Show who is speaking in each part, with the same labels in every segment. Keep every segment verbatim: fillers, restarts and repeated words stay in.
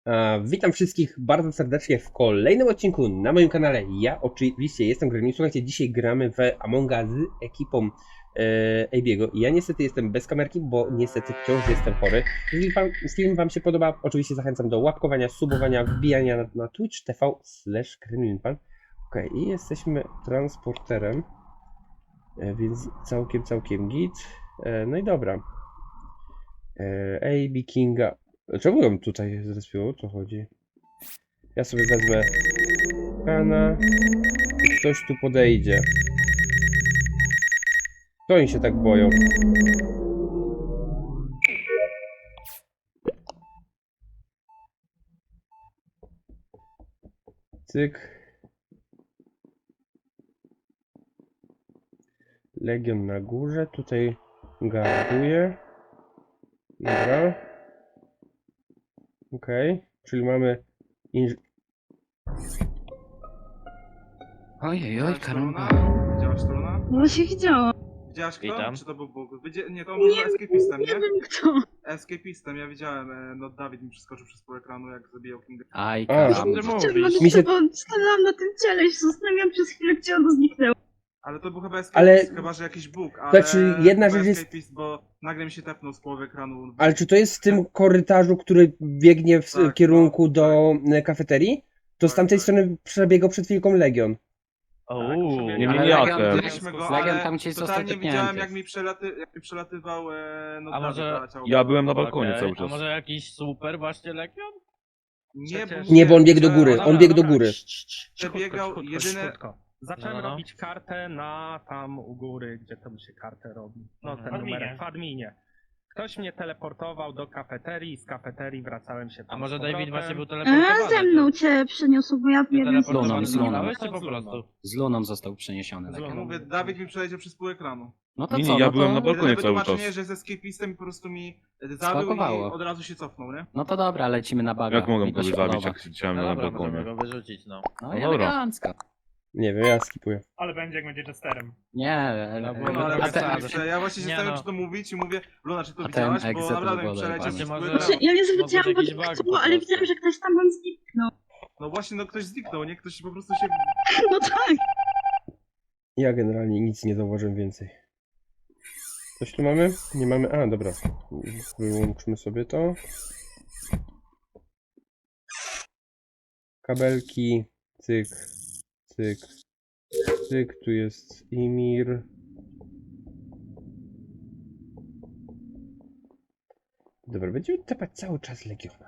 Speaker 1: E, witam wszystkich bardzo serdecznie w kolejnym odcinku na moim kanale. Ja oczywiście jestem Gremlin. Słuchajcie, dzisiaj gramy w Amonga z ekipą e, Abiego. Ja niestety jestem bez kamerki, bo niestety wciąż jestem chory. Jeżeli wam, film wam się podoba, oczywiście zachęcam do łapkowania, subowania, wbijania na, na twitch tv slash gremlinpan. Okej, i jesteśmy transporterem, e, więc całkiem, całkiem git. E, no i dobra. E, A B Kinga. Czemu ją tutaj zrespiło? O co chodzi? Ja sobie wezmę kana i ktoś tu podejdzie. To oni się tak boją. Cyk. Legion na górze. Tutaj garduje. Dobra. Okej. Okay. Czyli mamy inż...
Speaker 2: Ojej, oj, karamba.
Speaker 3: Widziałaś Truna?
Speaker 4: No się widziałam.
Speaker 3: Widziałaś kto?
Speaker 5: Witam.
Speaker 3: Czy to był Bóg? Widzi... Nie, to on był
Speaker 4: Nie,
Speaker 3: escapistem,
Speaker 4: nie
Speaker 3: nie?
Speaker 4: wiem kto.
Speaker 3: Escapistem, ja widziałem, e, no Dawid mi przeskoczył przez pół ekranu, jak zabijał Kinga.
Speaker 2: Aj,
Speaker 1: A.
Speaker 2: karamba.
Speaker 4: Chciałam
Speaker 5: mówisz?
Speaker 1: Mi się-
Speaker 4: bo stanęłam na tym ciele i się zastanawiałam przez chwilę, gdzie ono zniknęło.
Speaker 3: Ale to był chyba escapist,
Speaker 1: Ale-
Speaker 3: chyba że jakiś Bóg, ale...
Speaker 1: Znaczy, jedna
Speaker 3: chyba
Speaker 1: rzecz jest-
Speaker 3: escapist, bo nagle mi się tepnął z połowy ekranu.
Speaker 1: Ale czy to jest w tym korytarzu, który biegnie w
Speaker 3: Tak,
Speaker 1: kierunku
Speaker 3: no,
Speaker 1: do e, kafeterii? To z
Speaker 3: Tak,
Speaker 1: tamtej
Speaker 3: tak.
Speaker 1: strony przebiegał przed chwilką Legion.
Speaker 5: Ouu,
Speaker 3: Tak,
Speaker 2: nie
Speaker 3: ale
Speaker 2: wiem,
Speaker 3: Legion-
Speaker 2: jak-
Speaker 3: widzieliśmy go,
Speaker 2: Legion
Speaker 3: ale
Speaker 2: tam gdzieś został
Speaker 3: totalnie widziałem,
Speaker 2: tepnięty.
Speaker 3: jak mi, przelaty... jak mi przelatywał e, no
Speaker 5: A
Speaker 3: Dawid
Speaker 5: może-
Speaker 3: na ciało.
Speaker 6: Ja byłem na balkonie
Speaker 5: okej.
Speaker 6: cały
Speaker 5: A
Speaker 6: czas.
Speaker 5: może jakiś super właśnie Legion?
Speaker 3: Nie, bo
Speaker 5: Przecież-
Speaker 1: Nie, bo on biegł do góry,
Speaker 3: widziałem-
Speaker 1: on biegł do góry.
Speaker 3: Przebiegał jedyne...
Speaker 7: Zacząłem
Speaker 5: No, no.
Speaker 7: robić kartę na tam u góry, gdzie tam się kartę robi. No
Speaker 5: Mhm.
Speaker 7: ten
Speaker 5: Adminie.
Speaker 7: numerek w adminie. Ktoś mnie teleportował do kafeterii, z kafeterii wracałem się tam
Speaker 5: A może
Speaker 7: z
Speaker 5: David
Speaker 7: powrotem.
Speaker 5: właśnie był
Speaker 4: A
Speaker 5: teleportowany?
Speaker 4: ze mną cię przeniosło, bo ja
Speaker 5: Ty
Speaker 4: nie wiem co
Speaker 2: Luną,
Speaker 5: teleportowany
Speaker 2: z Luną.
Speaker 5: zostałeś, czy po prostu?
Speaker 2: Z Luną został przeniesiony.
Speaker 7: Z
Speaker 2: Legion.
Speaker 7: Luną.
Speaker 3: Mówię, Dawid mi przeleciał przez pół ekranu.
Speaker 2: No to
Speaker 6: Nie,
Speaker 2: co,
Speaker 6: nie, ja
Speaker 2: no
Speaker 6: byłem
Speaker 2: to...
Speaker 6: na balkonie
Speaker 3: Jedyne
Speaker 6: cały
Speaker 3: wytłumaczenie,
Speaker 6: czas.
Speaker 3: że jest escapistem i po prostu mi zabił
Speaker 2: Spakowało.
Speaker 3: i od razu się cofnął, nie?
Speaker 2: No to dobra, lecimy na baga.
Speaker 6: Jak mogłem
Speaker 2: Mi to
Speaker 6: kogoś
Speaker 2: się
Speaker 6: zabić,
Speaker 2: podoba.
Speaker 6: jak siedziałem
Speaker 5: No
Speaker 6: na
Speaker 5: dobra, możemy
Speaker 6: balkonie?
Speaker 5: go wyrzucić, no.
Speaker 2: No
Speaker 6: No
Speaker 2: i
Speaker 6: dobra.
Speaker 2: elegancko.
Speaker 1: Nie wiem, ja skipuję.
Speaker 7: Ale będzie jak będzie testerem.
Speaker 2: Nie,
Speaker 5: No,
Speaker 2: ele-
Speaker 5: bo-
Speaker 3: No, ale
Speaker 2: a
Speaker 3: ja,
Speaker 2: ten,
Speaker 3: ten, ja właśnie się
Speaker 5: Nie,
Speaker 3: zastanawiam,
Speaker 5: no.
Speaker 3: czy to mówić i mówię, Luna, czy to
Speaker 2: A ten
Speaker 3: widziałaś, bo
Speaker 2: exit
Speaker 3: naprawdę mi
Speaker 2: wygląda
Speaker 3: przeleciał
Speaker 5: właśnie
Speaker 3: przez pół
Speaker 5: może-
Speaker 3: ekranu.
Speaker 4: Znaczy, ja nie zwróciłam
Speaker 5: Może jakiś
Speaker 4: pod
Speaker 5: bug
Speaker 4: tytułu,
Speaker 5: po
Speaker 4: ale
Speaker 5: prostu.
Speaker 4: widziałam, że ktoś tam zniknął.
Speaker 3: No właśnie, no ktoś zniknął, nie? Ktoś po prostu się...
Speaker 4: No tak.
Speaker 1: Ja generalnie nic nie zauważyłem więcej. Coś tu mamy? Nie mamy? A, dobra. Wyłączmy sobie to. Kabelki. Cyk. Cyk. Cyk. Tu jest Imir. Dobra, będziemy tepać cały czas Legiona.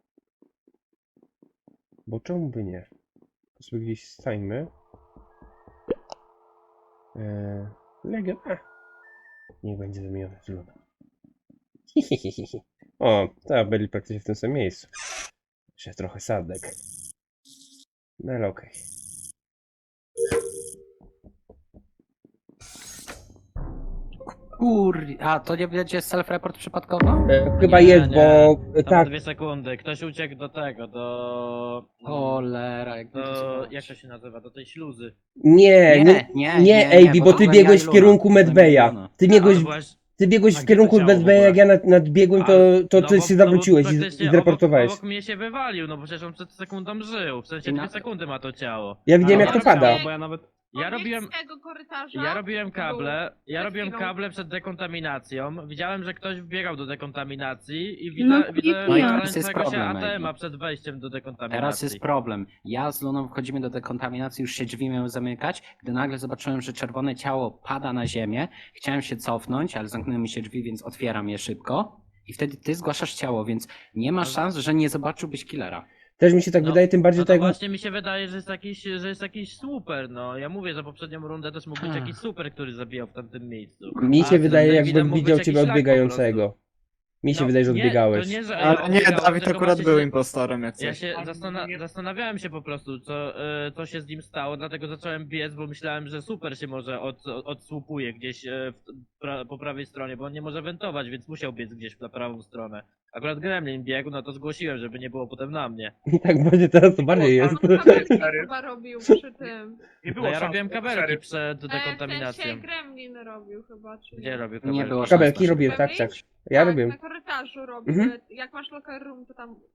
Speaker 1: Bo czemu by nie? To sobie gdzieś stańmy. Eee, Legion. A. Niech będzie zamieniony z Luną. Hihihihi. O, tak, byli praktycznie w tym samym miejscu. Jeszcze trochę sadek. No ale okej.
Speaker 2: Kur... A, to nie będzie self-report przypadkowo?
Speaker 1: E, Chyba
Speaker 5: Nie,
Speaker 1: jest,
Speaker 5: nie.
Speaker 1: bo e,
Speaker 5: To
Speaker 1: tak,
Speaker 5: dwie sekundy. Ktoś uciekł do tego, do...
Speaker 2: Cholera, jak
Speaker 5: Do...
Speaker 2: to
Speaker 5: Jak to się nazywa? Do tej śluzy.
Speaker 1: nie, nie,
Speaker 2: nie,
Speaker 1: nie,
Speaker 2: nie,
Speaker 1: A B,
Speaker 2: bo
Speaker 1: bo
Speaker 2: to
Speaker 1: ty
Speaker 2: byłem
Speaker 1: biegłeś
Speaker 2: ja i
Speaker 1: w kierunku
Speaker 2: Luna.
Speaker 1: Medbeja.
Speaker 2: Luna.
Speaker 1: Ty biegłeś,
Speaker 5: A, właśnie.
Speaker 1: ty biegłeś
Speaker 5: A
Speaker 1: w
Speaker 5: gdzie to
Speaker 1: kierunku
Speaker 5: ciało w
Speaker 1: Medbeja,
Speaker 5: ogóle?
Speaker 1: jak ja nad, nadbiegłem, to, to
Speaker 5: No
Speaker 1: ty
Speaker 5: bo-
Speaker 1: się
Speaker 5: no bo
Speaker 1: zawróciłeś i,
Speaker 5: praktycznie
Speaker 1: i zreportowałeś.
Speaker 5: Obok, obok mnie się wywalił, no bo przecież on przed sekundą żył. W sensie
Speaker 2: I na-
Speaker 5: dwie sekundy ma to ciało.
Speaker 1: Ja widziałem,
Speaker 5: A,
Speaker 1: jak to
Speaker 5: ja
Speaker 1: pada.
Speaker 5: Bo ja nawet... Ja robiłem...
Speaker 8: z tego korytarza.
Speaker 5: Ja robiłem
Speaker 8: to był
Speaker 5: kable, ja
Speaker 8: przed
Speaker 5: robiłem
Speaker 8: chwilą.
Speaker 5: kable przed dekontaminacją. Widziałem, że ktoś wbiegał do dekontaminacji i
Speaker 4: No,
Speaker 5: widzę, widzę
Speaker 4: no i teraz
Speaker 2: jest
Speaker 5: palącego się
Speaker 2: problem,
Speaker 5: A T M-a
Speaker 2: Ejbi.
Speaker 5: przed wejściem do dekontaminacji.
Speaker 2: Teraz jest problem. Ja z Luną wchodzimy do dekontaminacji, już się drzwi miały zamykać, gdy nagle zobaczyłem, że czerwone ciało pada na ziemię. Chciałem się cofnąć, ale zamknęły mi się drzwi, więc otwieram je szybko. I wtedy ty zgłaszasz ciało, więc nie ma
Speaker 5: Ale-
Speaker 2: szans, że nie zobaczyłbyś killera.
Speaker 1: Też mi się tak
Speaker 5: No,
Speaker 1: wydaje, tym bardziej
Speaker 5: No to
Speaker 1: tak jak...
Speaker 5: właśnie mi się wydaje, że jest jakiś, że jest jakiś super, no. Ja mówię, że poprzednią rundę też mógł być
Speaker 2: Ha.
Speaker 5: jakiś super, który zabijał w tamtym miejscu.
Speaker 1: Mi
Speaker 5: A
Speaker 1: się
Speaker 5: z
Speaker 1: wydaje,
Speaker 5: Davidem
Speaker 1: jakbym
Speaker 5: mógł
Speaker 1: widział
Speaker 5: być
Speaker 1: ciebie
Speaker 5: jakiś szlak po
Speaker 1: odbiegającego. Mi się
Speaker 5: No,
Speaker 1: wydaje, że
Speaker 5: nie,
Speaker 1: odbiegałeś.
Speaker 5: To nie, że
Speaker 9: Ale nie,
Speaker 5: odbiegałem,
Speaker 9: Dawid
Speaker 5: tylko
Speaker 9: akurat
Speaker 5: właśnie
Speaker 9: był
Speaker 5: się-
Speaker 9: impostorem jak
Speaker 5: Ja
Speaker 9: coś.
Speaker 5: się
Speaker 7: Ale
Speaker 5: zastana
Speaker 7: nie-
Speaker 5: zastanawiałem się po prostu, co, e, co się z nim stało, dlatego zacząłem biec, bo myślałem, że super się może od, od, odsłupuje gdzieś e, w, pra, po prawej stronie, bo on nie może wentować, więc musiał biec gdzieś na prawą stronę. Akurat Gremlin biegł, no to zgłosiłem, żeby nie było potem na mnie.
Speaker 1: I tak będzie teraz, to bardziej jest.
Speaker 8: On kabelki chyba robił przy tym.
Speaker 7: Nie było
Speaker 5: No ja
Speaker 7: szans,
Speaker 5: robiłem
Speaker 7: bo
Speaker 5: kabelki
Speaker 7: szeryf-
Speaker 5: przed
Speaker 8: E, w
Speaker 5: dekontaminacją.
Speaker 8: sensie Gremlin robił chyba, czy
Speaker 5: Gdzie robił
Speaker 2: Nie
Speaker 5: kabelki?
Speaker 2: było szans.
Speaker 1: Kabelki
Speaker 2: na
Speaker 1: robiłem, tak,
Speaker 8: Robisz?
Speaker 1: tak. Ja
Speaker 8: tak,
Speaker 1: robiłem.
Speaker 8: na korytarzu robił.
Speaker 1: Mhm.
Speaker 8: Jak masz locker room, to tam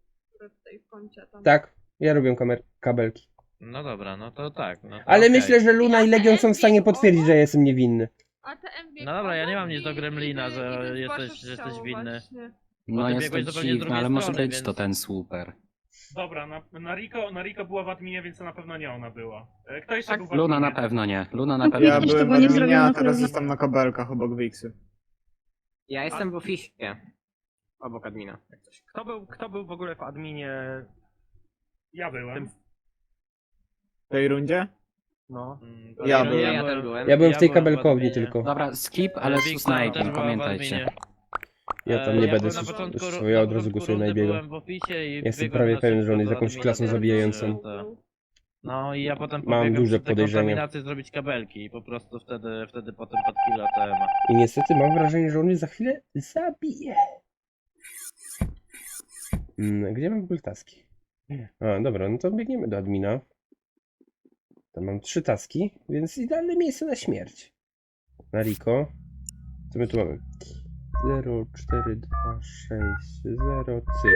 Speaker 8: dziury w tej kącie tam.
Speaker 1: Tak, ja robię kamer kabelki.
Speaker 5: No dobra, no to tak. No to
Speaker 1: Ale
Speaker 5: okej.
Speaker 1: myślę, że Luna i Legion są w stanie potwierdzić, że ja jestem niewinny.
Speaker 8: A te M B
Speaker 5: No dobra, ja nie mam
Speaker 8: obok
Speaker 5: nic do
Speaker 8: i-
Speaker 5: Gremlina,
Speaker 8: i ty-
Speaker 5: że
Speaker 8: i ty
Speaker 5: jesteś-
Speaker 8: zgłaszasz
Speaker 5: że jesteś
Speaker 8: ciało
Speaker 5: winny.
Speaker 8: właśnie.
Speaker 2: No
Speaker 5: ty
Speaker 2: jest
Speaker 5: biegłeś
Speaker 2: to
Speaker 5: zupełnie z
Speaker 2: dziwne,
Speaker 5: drugiej
Speaker 2: ale może
Speaker 5: strony,
Speaker 2: być
Speaker 5: więc-
Speaker 2: to ten super.
Speaker 7: Dobra, na, na, Rico, na Rico była w adminie, więc to na pewno nie ona była. E, Kto jeszcze
Speaker 8: Tak,
Speaker 7: był w
Speaker 2: Luna
Speaker 7: adminie?
Speaker 2: na pewno nie. Luna na
Speaker 4: No,
Speaker 2: pewno
Speaker 6: Ja
Speaker 4: Widzisz,
Speaker 2: nie.
Speaker 4: to
Speaker 6: byłem
Speaker 4: było
Speaker 6: w
Speaker 4: nie
Speaker 6: adminie,
Speaker 4: zrobione
Speaker 6: a teraz
Speaker 4: królowi.
Speaker 6: jestem na kabelkach obok Wixy.
Speaker 9: Ja jestem w oficie. Obok admina. jak coś.
Speaker 7: Kto był, kto był w ogóle w adminie? Ja byłem.
Speaker 6: W tej rundzie?
Speaker 7: No.
Speaker 5: Mm,
Speaker 6: Ja
Speaker 5: to
Speaker 6: byłem.
Speaker 9: Ja też byłem.
Speaker 1: Ja byłem w tej
Speaker 5: w
Speaker 1: kabelkowni
Speaker 5: adminie.
Speaker 1: tylko.
Speaker 2: Dobra, skip, ale
Speaker 5: Wiktor
Speaker 2: sus na
Speaker 5: też
Speaker 2: Apim,
Speaker 5: była w
Speaker 2: pamiętajcie.
Speaker 5: adminie.
Speaker 1: Ja tam
Speaker 5: E,
Speaker 1: nie
Speaker 5: ja
Speaker 1: będę
Speaker 5: byłem na
Speaker 1: sus-
Speaker 5: początku ru-
Speaker 1: sus- ja od
Speaker 5: na
Speaker 1: razu
Speaker 5: początku
Speaker 1: głosuję na
Speaker 5: rundy
Speaker 1: Ebiego.
Speaker 5: byłem w oficie i
Speaker 1: Jestem
Speaker 5: biegłem
Speaker 1: prawie
Speaker 5: na
Speaker 1: pewien, że
Speaker 5: szybko
Speaker 1: on jest
Speaker 5: do
Speaker 1: jakąś
Speaker 5: admina,
Speaker 1: klasą
Speaker 5: żeby-
Speaker 1: zabijającą.
Speaker 5: No i ja potem
Speaker 1: Mam
Speaker 5: pobiegłem
Speaker 1: duże
Speaker 5: przy tej
Speaker 1: podejrzenia.
Speaker 5: kontaminacji zrobić kabelki i po prostu wtedy, wtedy potem pod killa T M.
Speaker 1: I niestety mam wrażenie, że on mnie za chwilę zabije. Mm, gdzie mam w ogóle taski? A, dobra, no to biegniemy do admina. Tam mam trzy taski, więc idealne miejsce na śmierć. Na Rico. Co my tu mamy? zero, cztery, dwa, sześć, zero, cyk.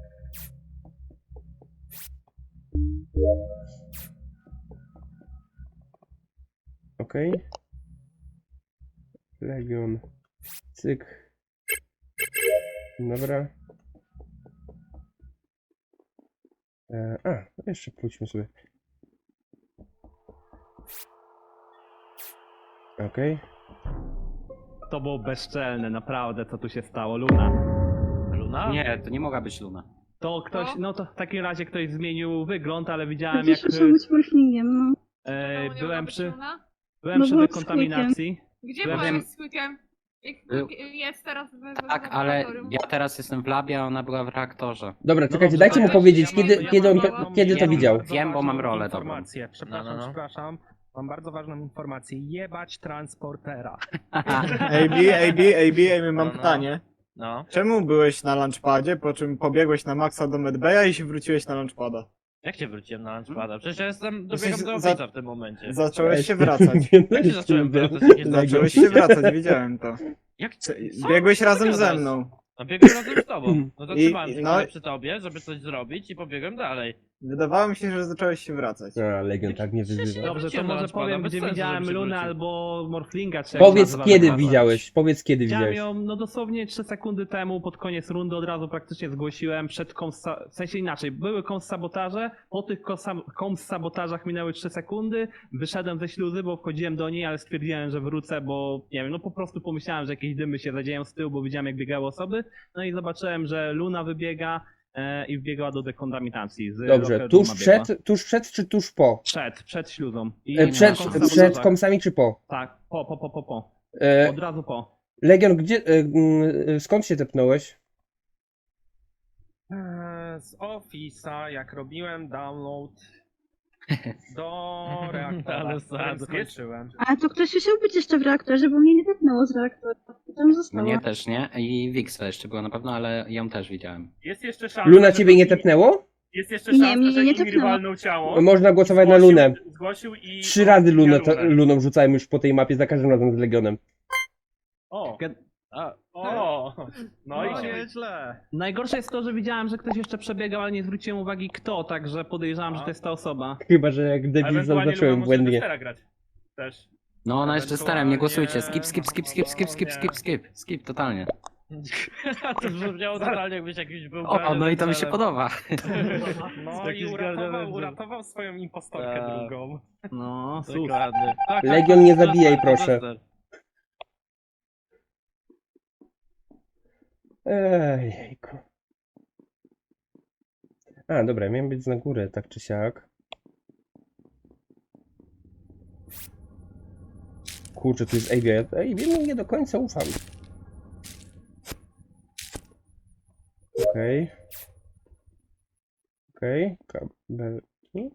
Speaker 1: Okej. Legion. Cyk. Dobra. E, a, no jeszcze pójdźmy sobie. Okej.
Speaker 10: To było bezczelne, naprawdę, co tu się stało. Luna.
Speaker 5: Luna?
Speaker 2: Nie, to nie mogła być Luna.
Speaker 10: To ktoś,
Speaker 8: No.
Speaker 10: no to w takim razie ktoś zmienił wygląd, ale widziałem jak
Speaker 4: Przecież muszę być morflingiem, no.
Speaker 10: e,
Speaker 8: Czemu nie
Speaker 10: byłem
Speaker 8: mogła
Speaker 10: przy,
Speaker 8: być Luna?
Speaker 10: byłem
Speaker 4: No
Speaker 10: przy
Speaker 4: byłem z
Speaker 10: dekontaminacji.
Speaker 8: Gdzie
Speaker 10: Byłem-
Speaker 8: byłeś z Quickiem? Jak
Speaker 2: Był-
Speaker 8: Quick jest teraz w, w
Speaker 2: Tak, ale
Speaker 8: laboratorium?
Speaker 2: ja teraz jestem w labie, a ona była w reaktorze.
Speaker 1: Dobra,
Speaker 10: No
Speaker 1: czekajcie,
Speaker 10: dobrze,
Speaker 1: dajcie
Speaker 10: to
Speaker 1: mu
Speaker 10: ja-
Speaker 1: powiedzieć,
Speaker 8: ja mam-
Speaker 1: kiedy,
Speaker 8: ja
Speaker 1: kiedy, on,
Speaker 8: mam
Speaker 1: to,
Speaker 8: bardzo-
Speaker 1: kiedy to
Speaker 2: Wiem,
Speaker 1: widział.
Speaker 2: bardzo Wiem, bo mam rolę dobrą.
Speaker 7: Informację, przepraszam,
Speaker 5: No, no, no.
Speaker 7: przepraszam. Mam bardzo ważną informację. Jebać transportera.
Speaker 6: A B, A B, A B, Amy, mam
Speaker 5: No, no.
Speaker 6: pytanie.
Speaker 5: No.
Speaker 6: Czemu byłeś na launchpadzie, po czym pobiegłeś na Maxa do Medbaya i się wróciłeś na launchpada?
Speaker 5: Jak się wróciłem na launchpada? Przecież ja jestem,
Speaker 6: Jesteś
Speaker 5: dobiegam do
Speaker 6: za-
Speaker 5: ofica w tym momencie.
Speaker 6: Zacząłeś się wracać.
Speaker 5: Jak się zacząłem wracać? Jakie
Speaker 6: Zacząłeś się wracać, widziałem to.
Speaker 5: Jak?
Speaker 6: Co-
Speaker 5: Co?
Speaker 6: Biegłeś
Speaker 5: Co
Speaker 6: razem
Speaker 5: ty
Speaker 6: ze
Speaker 5: gadasz?
Speaker 6: mną.
Speaker 5: No biegłem razem z tobą. No to
Speaker 6: I-
Speaker 5: trzymałem się
Speaker 6: no-
Speaker 5: przy tobie, żeby coś zrobić i pobiegłem dalej.
Speaker 6: Wydawało mi się, że zacząłeś się wracać.
Speaker 1: A, Legion tak mnie wyzywa.
Speaker 10: Dobrze, to
Speaker 5: wróciłem na
Speaker 10: może
Speaker 5: launchpada,
Speaker 10: powiem,
Speaker 5: bez
Speaker 10: gdzie
Speaker 5: sensu,
Speaker 10: widziałem
Speaker 5: żebym się
Speaker 10: Lunę
Speaker 5: wrócił.
Speaker 10: albo Morflinga, czy jak
Speaker 1: Powiedz
Speaker 10: nazywa
Speaker 1: kiedy
Speaker 10: ta
Speaker 1: widziałeś, powiedz kiedy
Speaker 10: Widziałem
Speaker 1: widziałeś.
Speaker 10: ją, no dosłownie trzy sekundy temu, pod koniec rundy od razu praktycznie zgłosiłem przed komsa... w sensie inaczej, były komsabotaże, po tych komsa- komsabotażach minęły trzy sekundy, wyszedłem ze śluzy, bo wchodziłem do niej, ale stwierdziłem, że wrócę, bo nie wiem, no po prostu pomyślałem, że jakieś dymy się zadzieją z tyłu, bo widziałem jak biegały osoby, no i zobaczyłem, że Luna wybiega e, i wbiegła do dekontaminacji. Z
Speaker 1: Dobrze,
Speaker 10: locker
Speaker 1: tuż
Speaker 10: rooma biegła.
Speaker 1: przed, tuż przed czy tuż po?
Speaker 10: Przed, przed śluzą. I
Speaker 1: E,
Speaker 2: nie
Speaker 1: Przed,
Speaker 2: ma
Speaker 10: na
Speaker 2: komsa-
Speaker 1: przed
Speaker 10: komsabotażach.
Speaker 1: komsami czy po?
Speaker 10: Tak, po, po, po, po, po.
Speaker 1: E,
Speaker 10: Od razu po.
Speaker 1: Legion, gdzie, e, mm, skąd się tepnąłeś?
Speaker 7: Eee, Z Office'a, jak robiłem download do reaktora,
Speaker 5: Ale
Speaker 7: którym
Speaker 5: sad.
Speaker 7: skończyłem.
Speaker 4: A to ktoś musiał być jeszcze w reaktorze, bo mnie nie tepnęło z reaktora. I tam została.
Speaker 2: Mnie też nie. I Wixa jeszcze była na pewno, ale ją też widziałem.
Speaker 7: Jest jeszcze szansa,
Speaker 1: Luna
Speaker 7: że
Speaker 1: ciebie nie
Speaker 7: to-
Speaker 1: tepnęło?
Speaker 7: Jest jeszcze
Speaker 4: Nie,
Speaker 7: szansa,
Speaker 4: mnie
Speaker 7: że
Speaker 4: nie
Speaker 7: Imir
Speaker 4: tepnęło.
Speaker 7: walnął ciało.
Speaker 1: Można głosować na
Speaker 7: Zgłosił-
Speaker 1: Lunę.
Speaker 7: Zgłosił i...
Speaker 1: Trzy razy Lunę,
Speaker 7: Lunę.
Speaker 1: to, Luną rzucałem już po tej mapie, za każdym razem z Legionem.
Speaker 7: O,
Speaker 5: A,
Speaker 7: o, no i
Speaker 10: No,
Speaker 7: nieźle.
Speaker 10: Najgorsze jest to, że widziałem, że ktoś jeszcze przebiegał, ale nie zwróciłem uwagi kto, także podejrzewam, że to jest ta osoba.
Speaker 1: Chyba, że jak debil
Speaker 7: Ewentualnie
Speaker 1: zaznaczyłem
Speaker 7: Luna może
Speaker 1: błędnie.
Speaker 7: testera grać. Też.
Speaker 2: No ona jeszcze starem, nie głosujcie.
Speaker 7: Ewentualnie-
Speaker 2: Skip, skip, skip, skip, skip, skip, skip, skip, skip, totalnie.
Speaker 5: to brzmiało totalnie jakbyś jakiś był
Speaker 2: O, no i to mi się podoba.
Speaker 7: No i
Speaker 5: Jakiś
Speaker 7: uratował,
Speaker 5: garnitur.
Speaker 7: uratował swoją impostorkę
Speaker 5: Tak.
Speaker 7: drugą.
Speaker 10: No, sus.
Speaker 5: Dokładnie. Tak, tak,
Speaker 1: Legion, nie
Speaker 5: tak,
Speaker 1: zabijaj,
Speaker 5: tak,
Speaker 1: proszę.
Speaker 5: tak.
Speaker 1: Ejku. A, dobra, miałem być na górę, tak czy siak. Kurczę, tu jest A B. Ja A B mu nie do końca ufam. Okej. Okej, kabelki.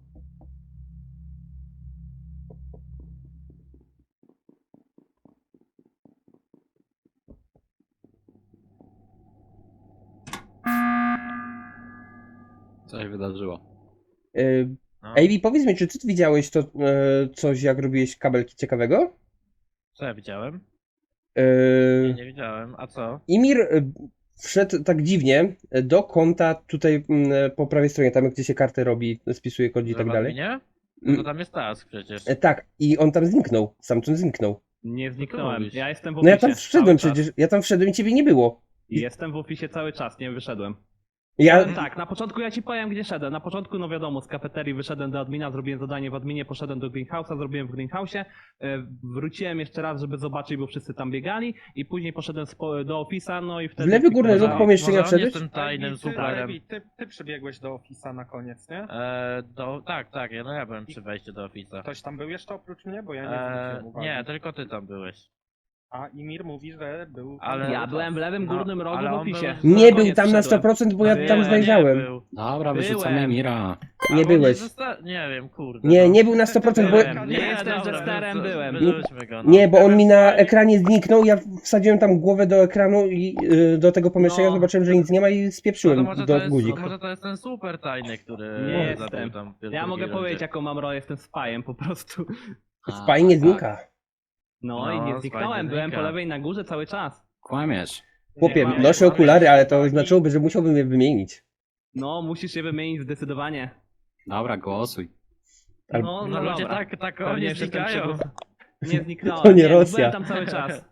Speaker 2: Co się wydarzyło?
Speaker 1: Y,
Speaker 5: No.
Speaker 1: A B, powiedz mi, czy ty widziałeś to e, coś, jak robiłeś kabelki ciekawego?
Speaker 5: Co ja widziałem?
Speaker 1: E,
Speaker 5: Nie, nie widziałem. A co?
Speaker 1: Imir, e, wszedł tak dziwnie do konta tutaj mm, po prawej stronie, tam gdzie się kartę robi, spisuje kod i tak dalej.
Speaker 5: Nie? No to tam jest task przecież.
Speaker 1: E, Tak, i on tam zniknął, stamtąd zniknął.
Speaker 10: Nie zniknąłem.
Speaker 5: mówisz?
Speaker 10: Ja jestem w
Speaker 1: No
Speaker 10: ofisie
Speaker 1: ja tam wszedłem
Speaker 10: cały czas.
Speaker 1: przecież, ja tam wszedłem i ciebie nie było.
Speaker 10: I jestem w ofisie cały czas, nie wyszedłem.
Speaker 1: Ja,
Speaker 10: Ale tak, na początku ja ci powiem, gdzie szedłem. Na początku, no wiadomo, z kafeterii wyszedłem do admina, zrobiłem zadanie w adminie, poszedłem do greenhouse'a, zrobiłem w greenhouse'ie, e, wróciłem jeszcze raz, żeby zobaczyć, bo wszyscy tam biegali i później poszedłem spo- do ofisa, no i wtedy...
Speaker 1: W lewy górny
Speaker 10: Może-
Speaker 1: róg pomieszczenia
Speaker 5: Może on
Speaker 1: wszedłeś?
Speaker 5: jest tym tajnym
Speaker 7: ty,
Speaker 5: superem.
Speaker 7: Lewi, ty, ty przybiegłeś do ofisa na koniec, nie?
Speaker 5: E, do, tak, tak, ja, no ja byłem przy wejściu do ofica.
Speaker 7: Ktoś tam był jeszcze oprócz mnie, bo ja nie
Speaker 5: E,
Speaker 7: zwróciłem uwagi.
Speaker 5: nie, tylko ty tam byłeś.
Speaker 7: A Imir mówi, że był...
Speaker 5: Ale-
Speaker 10: Ja byłem w lewym
Speaker 5: No,
Speaker 10: górnym rogu
Speaker 5: ale
Speaker 10: w
Speaker 5: on
Speaker 10: ofisie.
Speaker 5: był-
Speaker 1: Nie
Speaker 10: Na
Speaker 1: był
Speaker 10: koniec
Speaker 1: tam na sto
Speaker 10: wszedłem.
Speaker 1: procent, bo ja
Speaker 10: Nie,
Speaker 1: tam
Speaker 10: nie
Speaker 1: zajrzałem.
Speaker 5: Nie, był.
Speaker 2: Dobra,
Speaker 10: Byłem.
Speaker 2: wyrzucamy Mira.
Speaker 1: Nie
Speaker 5: Albo
Speaker 1: byłeś.
Speaker 5: zosta- Nie wiem, kurde.
Speaker 1: Nie,
Speaker 5: no.
Speaker 1: nie był na sto procent, bo...
Speaker 10: Byłem. Nie jestem jesterem,
Speaker 5: wyrzu-
Speaker 10: byłem.
Speaker 5: wyrzućmy go, no.
Speaker 1: Nie, bo on mi na ekranie zniknął, ja wsadziłem tam głowę do ekranu i y, do tego pomieszczenia,
Speaker 10: No.
Speaker 1: zobaczyłem, że nic nie ma i
Speaker 5: No to
Speaker 1: spieprzyłem
Speaker 5: może, to
Speaker 1: do
Speaker 5: jest,
Speaker 1: guzik.
Speaker 5: może to jest ten super tajny, który
Speaker 10: Nie
Speaker 5: zabił
Speaker 10: jestem.
Speaker 5: tam w
Speaker 10: Ja
Speaker 5: drugiej
Speaker 10: mogę
Speaker 5: rundzie.
Speaker 10: powiedzieć, jaką mam rolę, jestem spajem po prostu.
Speaker 1: Spaj nie znika.
Speaker 10: No,
Speaker 5: No,
Speaker 10: i nie
Speaker 5: spaj
Speaker 10: zniknąłem,
Speaker 5: nie
Speaker 10: byłem
Speaker 5: znika.
Speaker 10: po lewej na górze cały czas.
Speaker 2: Kłamiesz.
Speaker 1: Chłopie,
Speaker 10: Nie,
Speaker 1: noszę
Speaker 10: nie,
Speaker 1: okulary, ale to
Speaker 10: uwagi.
Speaker 1: znaczyłoby, że musiałbym je wymienić.
Speaker 10: No, musisz je wymienić zdecydowanie.
Speaker 2: Dobra, głosuj.
Speaker 1: Al-
Speaker 10: No,
Speaker 5: No
Speaker 10: no
Speaker 5: ludzie
Speaker 10: dobra.
Speaker 5: tak, tak
Speaker 10: Pewnie
Speaker 5: oni
Speaker 10: jeszcze jestem
Speaker 5: znikają.
Speaker 10: przygód- Nie zniknąłem.
Speaker 1: To nie
Speaker 10: no,
Speaker 1: Rosja.
Speaker 10: Byłem tam cały czas.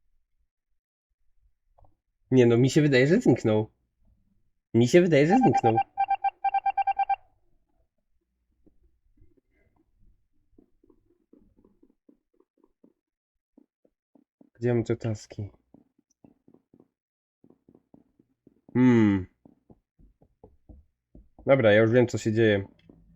Speaker 1: Nie no, mi się wydaje, że zniknął. Mi się wydaje, że zniknął. Gdzie mam te taski? Hmm. Dobra, ja już wiem, co się dzieje.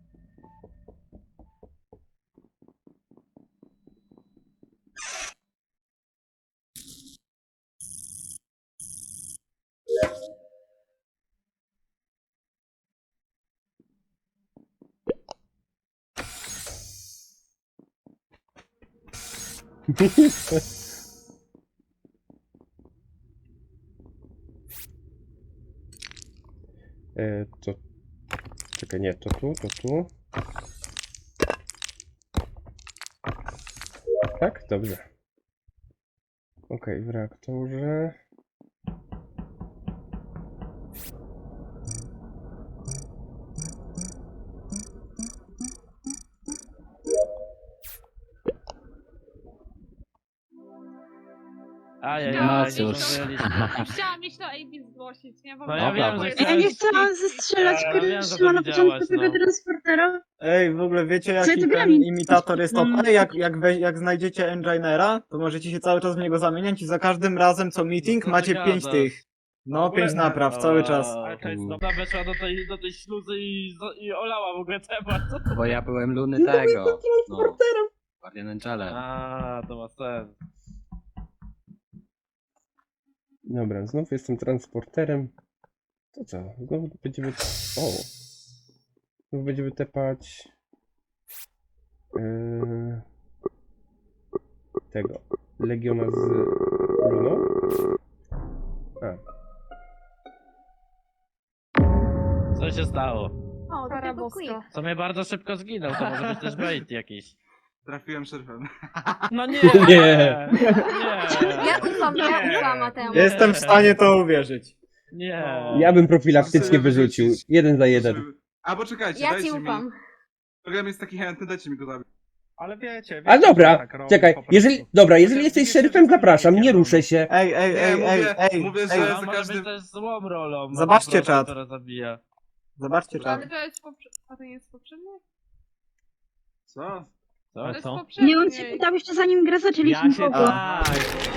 Speaker 1: E, to... Czekaj, nie, to tu, to tu. Tak? Dobrze. Okej, w reaktorze.
Speaker 5: Ajajaj,
Speaker 8: No
Speaker 5: nie
Speaker 2: cóż.
Speaker 5: zdążyliśmy.
Speaker 8: Chciałam iść do A B zgłosić, nie? Bo
Speaker 5: No ja
Speaker 8: miałam
Speaker 5: wiem, że
Speaker 8: swoje-
Speaker 4: Ja nie
Speaker 5: chciałeś-
Speaker 4: chciałam zestrzelać
Speaker 5: Ja wiem, że to
Speaker 4: Kryszma na
Speaker 5: widziałaś,
Speaker 4: początku tego
Speaker 5: no.
Speaker 4: transportera.
Speaker 6: Ej, w ogóle wiecie
Speaker 4: Co
Speaker 6: jaki
Speaker 4: ty
Speaker 6: ten
Speaker 4: granic?
Speaker 6: imitator jest
Speaker 4: Mm.
Speaker 6: O P? Jak, jak, we, jak znajdziecie enginera, to możecie się cały czas w niego zamieniać i za każdym razem co meeting
Speaker 5: Co ty
Speaker 6: macie pięć
Speaker 5: gadasz?
Speaker 6: tych. No, pięć napraw cały czas.
Speaker 5: Ale to jest dobra, weszła do tej, do tej śluzy i, i olała w ogóle temat.
Speaker 2: Bo ja byłem luny tego. No. Guardian Angelem.
Speaker 5: A, to ma sens.
Speaker 1: Dobra, znów jestem transporterem. To co? Znowu będziemy... O! Znowu będziemy tepać... Yy... Tego. Legiona z Luną? A.
Speaker 5: Co się stało?
Speaker 8: O, do tego quick.
Speaker 5: Co mnie bardzo szybko zginął, to może być też bait jakiś.
Speaker 3: Trafiłem szerfem.
Speaker 5: No nie!
Speaker 1: Nie.
Speaker 5: Nie!
Speaker 8: Ja ufam, ja
Speaker 5: Nie.
Speaker 8: ufam Mateusz.
Speaker 6: Jestem w stanie to uwierzyć.
Speaker 5: Nie!
Speaker 1: Ja bym profilaktycznie
Speaker 3: Muszę
Speaker 1: wyrzucił.
Speaker 3: wyrzucić.
Speaker 1: Jeden za jeden.
Speaker 3: A poczekajcie,
Speaker 8: Ja ci
Speaker 3: dajcie mi.
Speaker 8: ufam.
Speaker 3: Program jest taki chętny, dajcie mi go zabić.
Speaker 7: Ale wiecie, wiecie
Speaker 1: A dobra,
Speaker 7: że tak robi
Speaker 1: czekaj,
Speaker 7: po prostu.
Speaker 1: jeżeli... Dobra, jeżeli jesteś
Speaker 3: Wiecie,
Speaker 1: szeryfem,
Speaker 3: że
Speaker 1: zapraszam, nie
Speaker 3: wiecie,
Speaker 1: ruszę się.
Speaker 6: Ej, ej,
Speaker 3: Nie,
Speaker 6: ej, ej,
Speaker 3: mówię-
Speaker 6: ej,
Speaker 3: mówię,
Speaker 6: ej,
Speaker 3: że-
Speaker 5: A
Speaker 3: za
Speaker 5: może
Speaker 3: każdym-
Speaker 5: być też złą rolą.
Speaker 6: Zobaczcie
Speaker 5: po prostu,
Speaker 6: czat.
Speaker 5: która zabija.
Speaker 6: Zobaczcie czat.
Speaker 8: Ale to jest poprzednie. A to nie jest poprzednie?
Speaker 3: Co?
Speaker 5: Co?
Speaker 8: To jest
Speaker 10: co?
Speaker 8: poprzednie.
Speaker 4: Nie, on się pytał jeszcze zanim grę zaczęliśmy
Speaker 10: Ja
Speaker 4: w
Speaker 10: się...
Speaker 4: ogóle.
Speaker 10: Tak.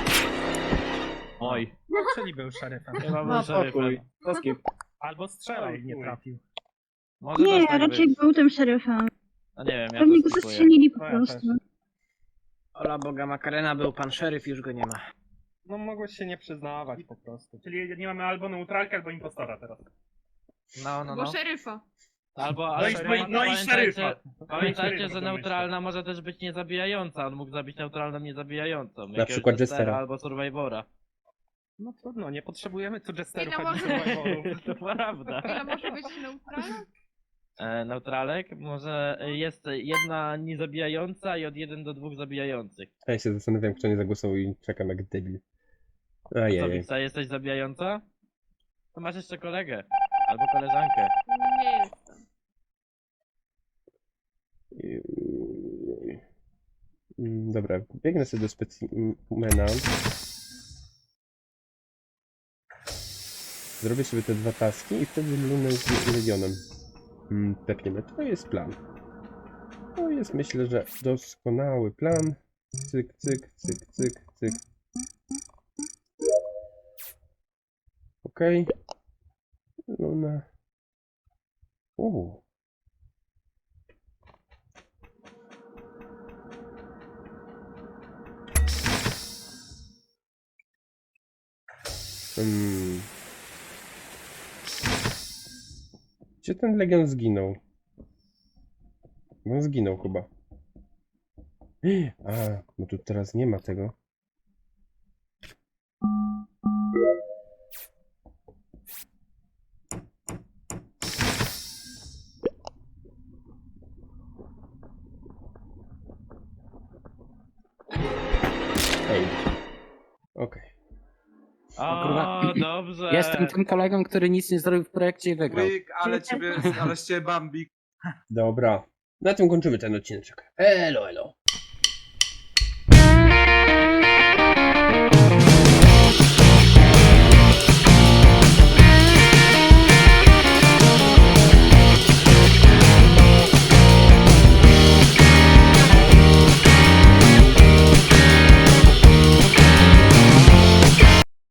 Speaker 10: Oj.
Speaker 7: No, czyli był szeryfem.
Speaker 5: Chyba był
Speaker 6: No
Speaker 5: szeryfem.
Speaker 6: pokój. To skip.
Speaker 7: Albo strzelał i nie trafił.
Speaker 5: Może
Speaker 4: Nie,
Speaker 5: też tak
Speaker 4: raczej
Speaker 5: być.
Speaker 4: był tym szeryfem.
Speaker 5: No nie wiem, ja
Speaker 4: Pewnie
Speaker 5: to
Speaker 4: go
Speaker 5: skipuję.
Speaker 4: zastrzelili po
Speaker 7: No ja
Speaker 4: prostu.
Speaker 7: też.
Speaker 9: Ola Boga Makarena, był pan szeryf, już go nie ma.
Speaker 7: No mogłeś się nie przyznawać po prostu. Czyli nie mamy albo neutralkę, albo impostora teraz.
Speaker 5: No, no,
Speaker 8: Bo
Speaker 5: no.
Speaker 8: szeryfa.
Speaker 5: Albo,
Speaker 7: No
Speaker 5: ale
Speaker 7: i-
Speaker 5: pamię-
Speaker 7: no i
Speaker 5: pamiętajcie,
Speaker 7: szeryfa.
Speaker 5: pamiętajcie,
Speaker 7: Szeryfa
Speaker 5: że
Speaker 7: to
Speaker 5: neutralna może też być niezabijająca. On mógł zabić neutralną niezabijającą.
Speaker 1: Na
Speaker 5: Jakiegoś
Speaker 1: przykład
Speaker 5: Jestera
Speaker 1: Jestera.
Speaker 5: albo Survivora.
Speaker 7: No trudno, nie potrzebujemy tu jesterów
Speaker 8: Ile
Speaker 7: ani
Speaker 8: może-
Speaker 7: survivorów.
Speaker 5: To prawda.
Speaker 8: Ile może być neutralna?
Speaker 5: E, neutralek może jest jedna niezabijająca i od jeden do dwóch zabijających.
Speaker 1: A ja się zastanawiam, kto nie zagłosował i czekam jak debil.
Speaker 5: Co,
Speaker 1: Ajajaj.
Speaker 5: Wiksa, jesteś zabijająca? To masz jeszcze kolegę. Albo koleżankę.
Speaker 8: Nie jestem.
Speaker 1: Mm, Dobra, biegnę sobie do specimena. Zrobię sobie te dwa taski i wtedy lunę z Legionem mm, tepniemy. To jest plan. To jest, myślę, że doskonały plan. Cyk, cyk, cyk, cyk, cyk. Okej. Luna. Uuu. Hmm. Gdzie ten Legion zginął? On zginął chyba. A, no tu teraz nie ma tego. Ej. Okej.
Speaker 5: O, dobrze.
Speaker 2: Jestem tym kolegą, który nic nie zrobił w projekcie i wygrał.
Speaker 3: Quick, ale ciebie, ale z ciebie Bambik.
Speaker 1: Dobra. Na tym kończymy ten odcinek. Elo, elo.